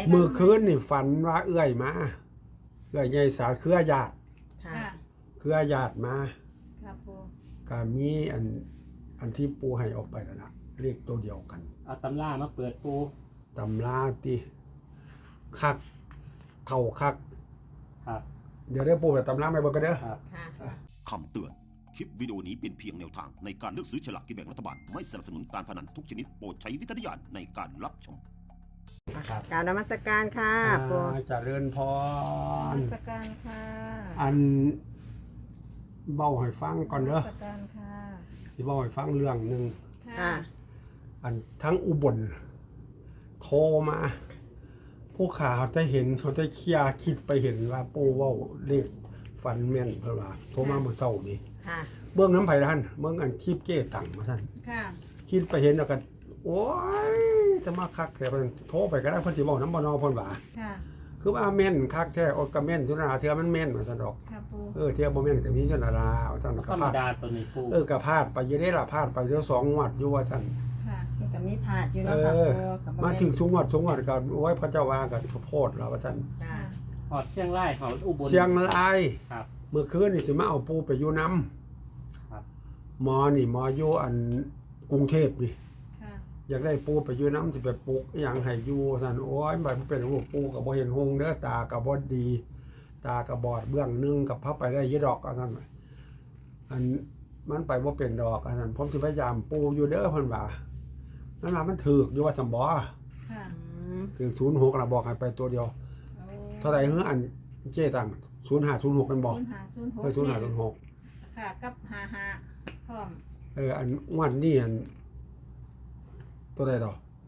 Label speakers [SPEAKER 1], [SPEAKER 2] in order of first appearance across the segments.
[SPEAKER 1] มือคืนนี่ฝันว่าเอื้อยมาเอื้อยใหญ่สาเครือญาติ
[SPEAKER 2] ค่ะ
[SPEAKER 1] เครือญาติมา
[SPEAKER 2] ครับปู
[SPEAKER 1] ก็มีอันที่ปูให้ออกไปแล้วล่ะเลขตัวเดียวกัน
[SPEAKER 3] เอาตำรามาเปิดปู
[SPEAKER 1] ตำราติคักเข้าคัก
[SPEAKER 3] ครับ
[SPEAKER 1] เดี๋ยวได้ปูไปตำราไปเบิ่งกันเด้อ
[SPEAKER 3] ครับ
[SPEAKER 2] ค่ะ
[SPEAKER 4] คำเตือน คลิปวิดีโอนี้เป็นเพียงแนวทางในการเลือกซื้อฉลากกินแบ่งรัฐบาล ไม่สนับสนุนการพนันทุกชนิดโปรดใช้วิจารณญาณในการรับชม
[SPEAKER 3] ครับ
[SPEAKER 2] กรารนมัสการค่ะปู
[SPEAKER 1] เจริญพร
[SPEAKER 2] สการค่ะ
[SPEAKER 1] อันเบ้าให้ฟังก่อนเด้อ
[SPEAKER 2] สการค่ะ
[SPEAKER 1] สิเบ้าให้ฟังเรื่องหนึง
[SPEAKER 2] ค่ะ
[SPEAKER 1] อันทั้งอุบลโทรมาผู้ข่าวจะเห็นเขาจะเคลียร์คิดไปเห็นว่าปูเว้าเลขฟันแม่นเพิ่นว่าโทรมาเมื่อเช้านี้
[SPEAKER 2] ค่ะ
[SPEAKER 1] เบื้องน้ำไผ่ท่านเบื้องอันคลิปเก้ตังมาท่าน
[SPEAKER 2] ค่ะ
[SPEAKER 1] คิดไปเห็นแล้วกันโอ้ยจะมาคักแต่เพิ่นโทรไปก็ได้เพิ่นสิเว้าน้ำบ่นอเพิ่นว่า
[SPEAKER 2] ค่ะ
[SPEAKER 1] คือว่าแม่นคักแท้โอก็แม่นจุนาเทื่อมันแม่นว่าซั่นดอก
[SPEAKER 2] ค่ะปู
[SPEAKER 1] เทื่อบ่แม่นก็มีจุนาราว่าซั่น
[SPEAKER 3] ธ
[SPEAKER 1] ก็
[SPEAKER 3] รรม
[SPEAKER 1] พลาด
[SPEAKER 3] ดาตัวนี้ปู
[SPEAKER 1] ก็พลาดไปอยู่ได้ล่ะพลาดไปเดี๋ยว2งวดอยู่ว่าซั่น
[SPEAKER 2] ค่ะ
[SPEAKER 5] มันก็มีผาดอยู่
[SPEAKER 1] เอ
[SPEAKER 5] เนาะค่ะ
[SPEAKER 1] อ
[SPEAKER 5] ปูกับ
[SPEAKER 1] มาถึงสูงวดก็โอ้ยพระเจ้าว่าก็โพดแล้วว่าซั่น
[SPEAKER 5] จ้า
[SPEAKER 3] หอดเชียงรายหอดอุบล
[SPEAKER 1] เชียงราย
[SPEAKER 3] ครับ
[SPEAKER 1] เมื่อคืนนี่สิมาเอาปูไปอยู่นํ
[SPEAKER 3] ครับ
[SPEAKER 1] หมออยู่อันกรุงเทพนี่
[SPEAKER 2] ค่ะ
[SPEAKER 1] อยากได้ปูไปอยู่น้ำสิไปปลูกอหย่างให้อยู่ซั่นโอ้ยมันเป็นรูปปูก็บ่เห็นหงเด้อตาก็บ่ดี ตาก็บอดเบื้องหนึงกับพับไปได้ยี่ดอกซั่นอันมันไปบ่เป็นดอกซั่นผมสิพยายามปูอยู่เด้อเพิ่นว่านั่นล่ะมันถูกอยู่ว่าซั่นบ่
[SPEAKER 2] ค่ะ
[SPEAKER 1] ถึง06น่ะบอกให้ไปตัวเดียวเท่าใดหืออันเจ๊ตัง0506กันบอก
[SPEAKER 2] 0506 ค่ะ กับ55พร้อม
[SPEAKER 1] อันวันนี้อันตัวใดดอก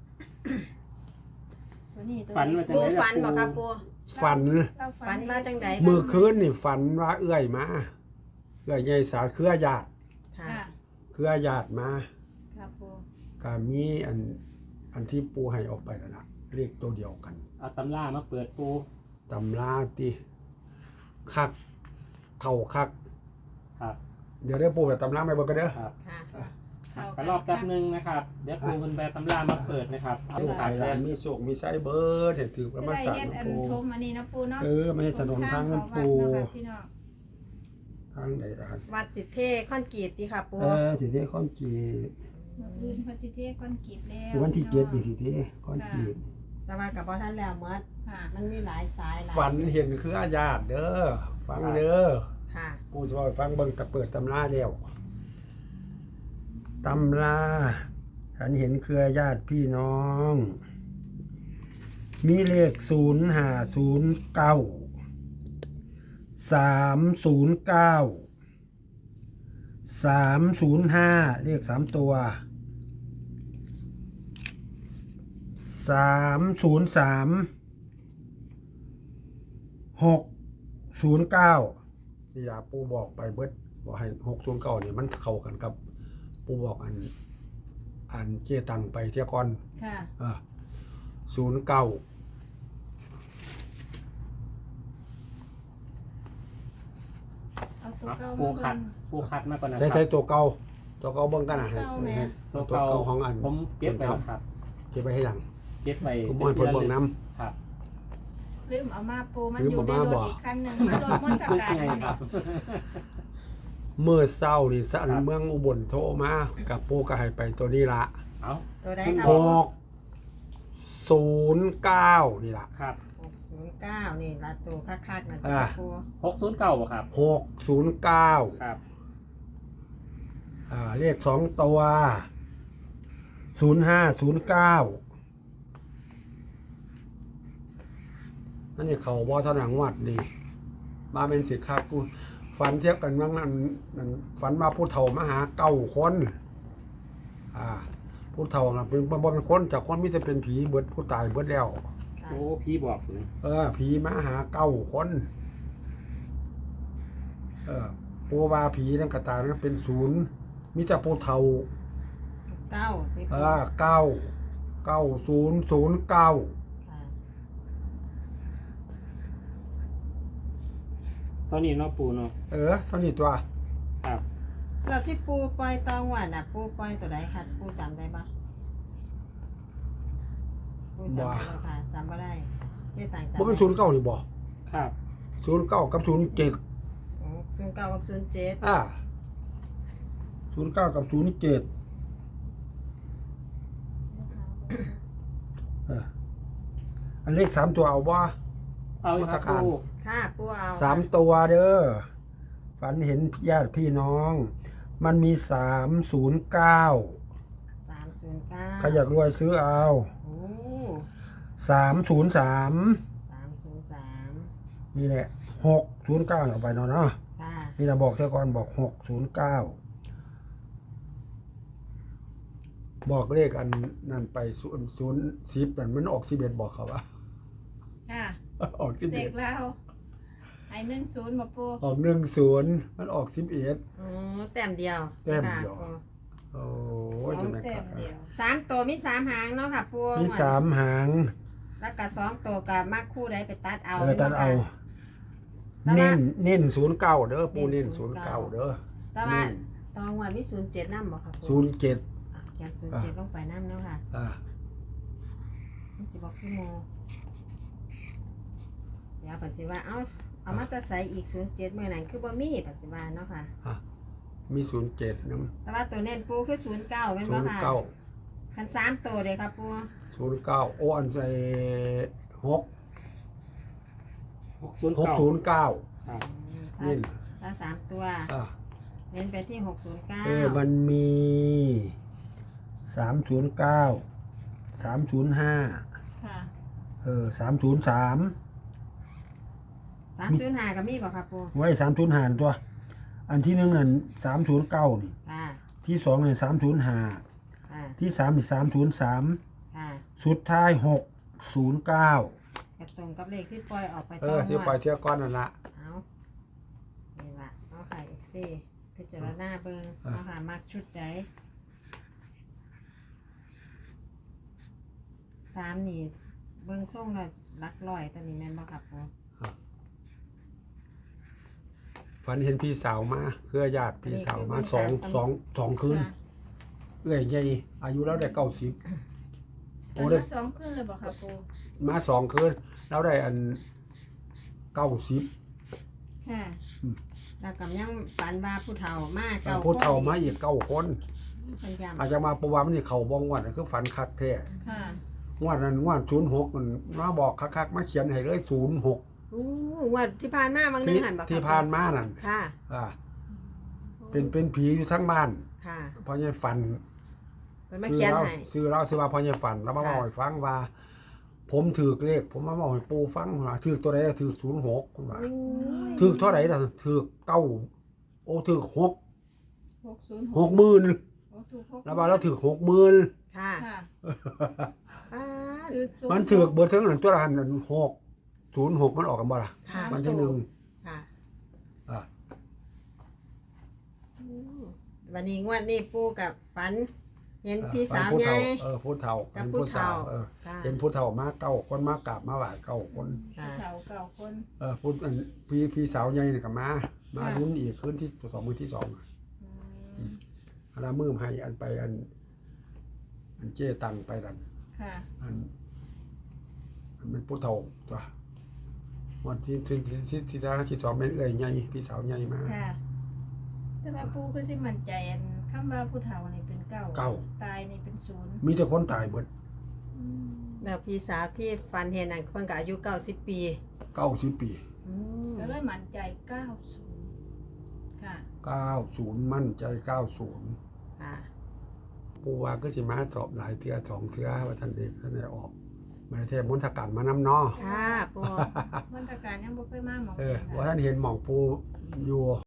[SPEAKER 2] ตัวนี้ตัว
[SPEAKER 3] ฝัน
[SPEAKER 2] นี้
[SPEAKER 3] มาจาก
[SPEAKER 5] ปู
[SPEAKER 3] ไหน
[SPEAKER 5] ฝันบ่ครับปู
[SPEAKER 1] ฝัน
[SPEAKER 2] เรา
[SPEAKER 5] ฝันมาจังใด
[SPEAKER 1] มื้อคืนนี่ฝันว่าเอื้อยมาเอื้อยใหญ่สาเครือญาติ
[SPEAKER 5] ค่ะ
[SPEAKER 2] ค่ะ
[SPEAKER 1] เครือญาติมา
[SPEAKER 2] ครับปู
[SPEAKER 1] ก็มีอันที่ปูให้ออกไปแล้วล่ะเลขตัวเดียวกัน
[SPEAKER 3] เอาตำรามาเปิดปู
[SPEAKER 1] ตำราติคักเข้าคัก
[SPEAKER 3] ครับ
[SPEAKER 1] เดี๋ยวได้ปูไปตำราไปเบิ่งกันเด้อ
[SPEAKER 3] ครับ
[SPEAKER 5] ค่ะ
[SPEAKER 3] ก็รอบแป๊บนึงนะครับ เดี๋ยวปูมันแบตำรามาเปิดนะครับเอา
[SPEAKER 1] ลูก
[SPEAKER 3] ครั
[SPEAKER 1] ไก่
[SPEAKER 3] บ
[SPEAKER 1] หลานมีโชคมีไส้เบิดให้ถือประมาณ
[SPEAKER 2] สิ
[SPEAKER 1] สา
[SPEAKER 2] ได้
[SPEAKER 1] ม
[SPEAKER 2] เฮ็ดอัน
[SPEAKER 1] ปู
[SPEAKER 2] ชมอันนี้นะปูเนาะ
[SPEAKER 1] ไม่ให้ถนนทางนั้นปู
[SPEAKER 2] ทางเขาวัดเนาะค่ะพี่น้อง
[SPEAKER 1] ทางใดทาง
[SPEAKER 5] วัดสิทธิเทคอนกรีตติค่ะปู
[SPEAKER 1] สิเทข้อนจี
[SPEAKER 2] มื้ออื่นเพิ่นสิเทคอนกรีตแล้ว
[SPEAKER 1] คือวันที่7นี่สิเทข้อนจี
[SPEAKER 5] แต่ว่ากับบ่ทันแล้วหมด
[SPEAKER 2] ค่ะ
[SPEAKER 5] มันมีหลายสายหลาย
[SPEAKER 1] ฝันเห็นคืออาญาติเด้อฟังเด้อ
[SPEAKER 5] ค่ะ
[SPEAKER 1] กูจะไปฟังเบิ่งแต่เปิดตำราแล้วตำราฉันเห็นเครือญาติพี่น้อง มีเลข0509 309 305เลข3ตัว303 609นี่ยาปูบอกไปเบิดบอกให้609นี่มันเข้ากันกับปูบอกอันเจตังไปเที่ยก่อน
[SPEAKER 2] ค่ะ
[SPEAKER 1] 09
[SPEAKER 2] เอาตัวเก่า
[SPEAKER 3] ปู
[SPEAKER 2] มา
[SPEAKER 3] ขั
[SPEAKER 2] เบิ่
[SPEAKER 3] ด
[SPEAKER 2] ง
[SPEAKER 3] ปูขัดมาก่อนนะค
[SPEAKER 1] ใช้
[SPEAKER 3] รับ
[SPEAKER 1] ใช้ตัวเก่าเบิ่งกันนะให้
[SPEAKER 2] เก่าแม่
[SPEAKER 1] ให้
[SPEAKER 3] ตัว
[SPEAKER 1] ตัว
[SPEAKER 3] เก่า
[SPEAKER 1] เก่าของอัน
[SPEAKER 3] ผมเก็บไว้แล้วครับ
[SPEAKER 1] เก็บไว้ให้หลัง
[SPEAKER 3] เก็บไว้
[SPEAKER 1] ผมบ่ให้เพิ่นเบิ่งนํ
[SPEAKER 3] ครับ
[SPEAKER 2] ลืมเอามาปูมัน
[SPEAKER 1] ลื
[SPEAKER 2] อ
[SPEAKER 1] ม
[SPEAKER 2] ยู่
[SPEAKER 1] เอา
[SPEAKER 2] ใน
[SPEAKER 1] มาร
[SPEAKER 2] ถ
[SPEAKER 1] บ่
[SPEAKER 2] อีกคันหนึงมารถมนตรการ
[SPEAKER 3] ไง
[SPEAKER 2] มา
[SPEAKER 3] ค
[SPEAKER 2] นี่
[SPEAKER 3] รับ
[SPEAKER 1] เมื่อเช้านี่สัน
[SPEAKER 3] ครับ
[SPEAKER 1] เมืองอุบลโทรมากับปูก็ให้ไปตัวนี้ละ
[SPEAKER 3] เอา
[SPEAKER 5] ตัวใดค่ะ
[SPEAKER 1] 609นี่ล่ะ
[SPEAKER 3] ครับ
[SPEAKER 5] 609นี่ละตัวคักๆนะ
[SPEAKER 1] อ่า
[SPEAKER 5] ปู
[SPEAKER 3] 609บ่ครับ
[SPEAKER 1] 609
[SPEAKER 3] ครับ
[SPEAKER 1] เลข2ตัว0509นั่นนี่เขาบ่เท่าหนังวัดนี่มาเป็นสิครับกูฝันเทียบกันว่านั่นฝันว่าผู้เฒ่ามาหา9คนผู้เฒ่าน่ะเป็นบ่เป็นคนจากคนมีแต่เป็นผีเบิดผู้ตายเบิดแล้ว
[SPEAKER 5] ค่ะ
[SPEAKER 3] โอ้พี่บอกเลย
[SPEAKER 1] ผีมาหา9คนปูว่าผีนั่นกระตายนั่นเป็น0มีแต่ผู้เฒ่า
[SPEAKER 5] 9ที่ปู
[SPEAKER 1] 9009
[SPEAKER 5] ค่ะ
[SPEAKER 3] ตอนนี้เนาะปูเนาะ
[SPEAKER 1] เท่านี้ตัว
[SPEAKER 3] ครับ
[SPEAKER 5] แล้วที่ปูปล่อยตองหวานน่ะปูปล่อยตัวใดค่ะปูจำได้ปะปูจำได้บ่ค่ะจำบ่ได้ต่างจาก
[SPEAKER 1] บ่เป็นศูนย์เก้านี่บ่
[SPEAKER 3] ครับ
[SPEAKER 1] ศูนย์เก้ากับ07
[SPEAKER 5] 09กับ07
[SPEAKER 1] 09กับ07อันเลข3ตัวเอาบ่
[SPEAKER 3] เอาอีกครับ
[SPEAKER 1] มาตรการ
[SPEAKER 3] ปู
[SPEAKER 5] ค่ะปูเอา
[SPEAKER 1] 3ตัวเด้อฝันเห็นญาติพี่น้อง มันมี309
[SPEAKER 5] 309
[SPEAKER 1] ใครอยากรวยซื้อเอา
[SPEAKER 5] โอ้
[SPEAKER 1] 303
[SPEAKER 5] 303
[SPEAKER 1] นี่แหละ609เอาไปเนาะ
[SPEAKER 5] ค่ะ
[SPEAKER 1] นี่นะบอกเท่าก่อนบอก609บอกเลขอันนั่นไป010นั่นมันออก11บอกเขาว่า
[SPEAKER 2] ค่ะ
[SPEAKER 1] ออก
[SPEAKER 2] เด็ก
[SPEAKER 1] 11
[SPEAKER 2] แล้วไอ้10บ่ปู
[SPEAKER 1] ออก10มันออก11
[SPEAKER 5] อ๋อแต้มเดียว
[SPEAKER 1] แต้มเดียว
[SPEAKER 5] ค่ะ
[SPEAKER 1] โอ้ยจะแม่น
[SPEAKER 2] แต้
[SPEAKER 1] คั
[SPEAKER 2] ม
[SPEAKER 1] ก
[SPEAKER 2] เดียว
[SPEAKER 5] 3ตัวมี3หางเนาะค่ะปู
[SPEAKER 1] มี3หาง
[SPEAKER 5] แล้วก็2ตัวกับมักคู่ใดไปตัดเอา
[SPEAKER 1] ตัดเอา
[SPEAKER 5] แต่ว่า
[SPEAKER 1] เน้น09เด้อปูเน้น09เด้อ
[SPEAKER 5] แต่ว่าตองว่ามี07นำบ่ค่ะปู
[SPEAKER 1] 07
[SPEAKER 5] อ่ะเขียน07ลงไปนำเนาะค่ะ
[SPEAKER 1] อ่า
[SPEAKER 5] มันสิบอกพี่โมเดี๋ยวปัจจุบันเอามาแตะใส่อีก07เมื่อนั้นคือบ่มีปัจจุบันเนาะค่ะ
[SPEAKER 1] มี07นำ
[SPEAKER 5] แต่ว่าตัวเน้นปูคือ09แม่นบ่ค่ะ
[SPEAKER 1] 09
[SPEAKER 5] คัน3ตัวเลยครับปู
[SPEAKER 1] 09โอ้อันใส่6
[SPEAKER 3] 609
[SPEAKER 1] 609
[SPEAKER 3] ครับ
[SPEAKER 1] นี่
[SPEAKER 5] ถ้า3ตัว
[SPEAKER 1] อ่า
[SPEAKER 5] เน้นไปที่609
[SPEAKER 1] มันมี309 305
[SPEAKER 2] ค่ะ
[SPEAKER 1] 303
[SPEAKER 5] 305ก็มีบ่ครับปู
[SPEAKER 1] ไว้305ตัว อันที่หนึ่งนั่น309นี่
[SPEAKER 5] ค่ะ
[SPEAKER 1] ที่สองนี่305
[SPEAKER 5] ค่ะ
[SPEAKER 1] ที่สามนี่303
[SPEAKER 5] ค่ะ
[SPEAKER 1] สุดท้าย609
[SPEAKER 5] กระตรงกับเลขที่ปล่อยออกไปตอน
[SPEAKER 1] ที่ปล่อยเที่ยวก้อนนั่นละ
[SPEAKER 5] เอานี่ล่ะเอาค่ะอีกทีพิจารณาเบิ่ง
[SPEAKER 1] อ่ะ
[SPEAKER 5] เอาค่ะมักชุดใด3นี่เบิ่งส่งแล้วหลักร้อยตัวนี้แม่นบ่ครับปู
[SPEAKER 1] ฝันเห็นพี่สาวมาเครือญาติพี่สาวมาสองคืน
[SPEAKER 2] ค่ะ
[SPEAKER 1] เอื้อยใหญ่อายุแล้วได้90
[SPEAKER 2] ต
[SPEAKER 1] โอ้
[SPEAKER 2] อน
[SPEAKER 1] ได้
[SPEAKER 2] นี้2คืนเลยบ่ค่ะปู
[SPEAKER 1] มา2คืนแล้วได้อัน90
[SPEAKER 2] ค่ะ
[SPEAKER 5] แล้วก็ยังฝันว่าผู้เฒ่ามาเก่า
[SPEAKER 1] ผู้เฒ่ามาอีก9คน
[SPEAKER 5] เพิ่นย้ำ
[SPEAKER 1] อาจจะมาประวัติมันนี่เขาบ้องวัดคือฝันคักแท้
[SPEAKER 2] ค่ะ
[SPEAKER 1] งวดนั้นงวด06มันมาบอกคักๆมาเขียนให้เลย06
[SPEAKER 5] อู้งวดที่ผ่านมาบางนึงหันบ่ครับ
[SPEAKER 1] ที่ผ่านมานั่น
[SPEAKER 5] ค่ะ
[SPEAKER 1] เป็นผีอยู่ทั้งบ้าน
[SPEAKER 5] ค่ะ
[SPEAKER 1] เพราะยังฝัน
[SPEAKER 5] เพิ่นมาเขียนให้
[SPEAKER 1] ซื้อเราซื้อว่าเพราะยังฝันแล้วมาบอกให้ฟังว่า ผมถือเลขผมมาบอกให้ปู่ฟังว่าถือตัวใดถือ06คุณว่า
[SPEAKER 5] อู้ย
[SPEAKER 1] ถือเท่าไหร่ล่ะถือ9โอ้ถือ
[SPEAKER 2] 606
[SPEAKER 1] 60,000
[SPEAKER 2] โอ้ถูก6
[SPEAKER 1] แล้วว่าเราถือ60,000
[SPEAKER 5] ค่ะ
[SPEAKER 2] ค่ะ
[SPEAKER 5] อ่า
[SPEAKER 2] คือ0
[SPEAKER 1] มันถือเบิดทั้งนั้นตัวละหันนั้น06มันออกกันบ่ล่ะ
[SPEAKER 5] ค่ะ
[SPEAKER 1] วันที่หนึ่ง
[SPEAKER 5] ค่ะ
[SPEAKER 1] อ่า
[SPEAKER 5] วันนี้งวดนี้ปู่กับฝัน เห็นพี่สาว
[SPEAKER 1] ผู้
[SPEAKER 5] ใหญ่
[SPEAKER 1] เฒ่าผู้เฒ่า
[SPEAKER 5] กับ
[SPEAKER 1] เห็น
[SPEAKER 5] ผู้
[SPEAKER 1] ผู้สาว
[SPEAKER 5] เฒ่าค่ะ
[SPEAKER 1] เห็นผู้เฒ่ามา9คนมากราบมาไหว้9คน
[SPEAKER 5] ค่ะ
[SPEAKER 2] เฒ่าเก่าคน
[SPEAKER 1] พูดอันพี่สาวใหญ่นี่ก็มาลุ้นอีกคืนที่2มื้อที่2
[SPEAKER 2] อืม
[SPEAKER 1] อันละมื้อให้อันไปอันเจ้ตังไปดัน
[SPEAKER 2] ค่ะ
[SPEAKER 1] อันเป็นผู้เฒ่าตัววันที่ที่2เป็นเอื้อยใหญ่พี่สาวใหญ่มา
[SPEAKER 2] ค่ะ แต่ว่าปูคือสิมั่นใจอันคำว่าผู้เฒ่านี่เป็นเก้าตายนี่เป็น0
[SPEAKER 1] มีแต่คนตายเบิด
[SPEAKER 5] แล้วพี่สาวที่ฝันเห็นนั่นเพิ่นก็อายุ90 ปี
[SPEAKER 1] 90 ปี
[SPEAKER 5] อืม
[SPEAKER 2] ก็เลยมั่นใจ90ค่ะ
[SPEAKER 1] 90มั่นใจ90
[SPEAKER 5] ค่ะ
[SPEAKER 1] ปูว่าก็สิมาสอบหลายเทื่อ2เทื่อว่าท่านเด็กท่านได้ออกมาเทพมนตการมานำเนาะ
[SPEAKER 5] ค่ะปู่
[SPEAKER 2] มาตรการยังบ่เคยมาหมอง
[SPEAKER 1] ว่าท่านเห็นหม่องปูอยู่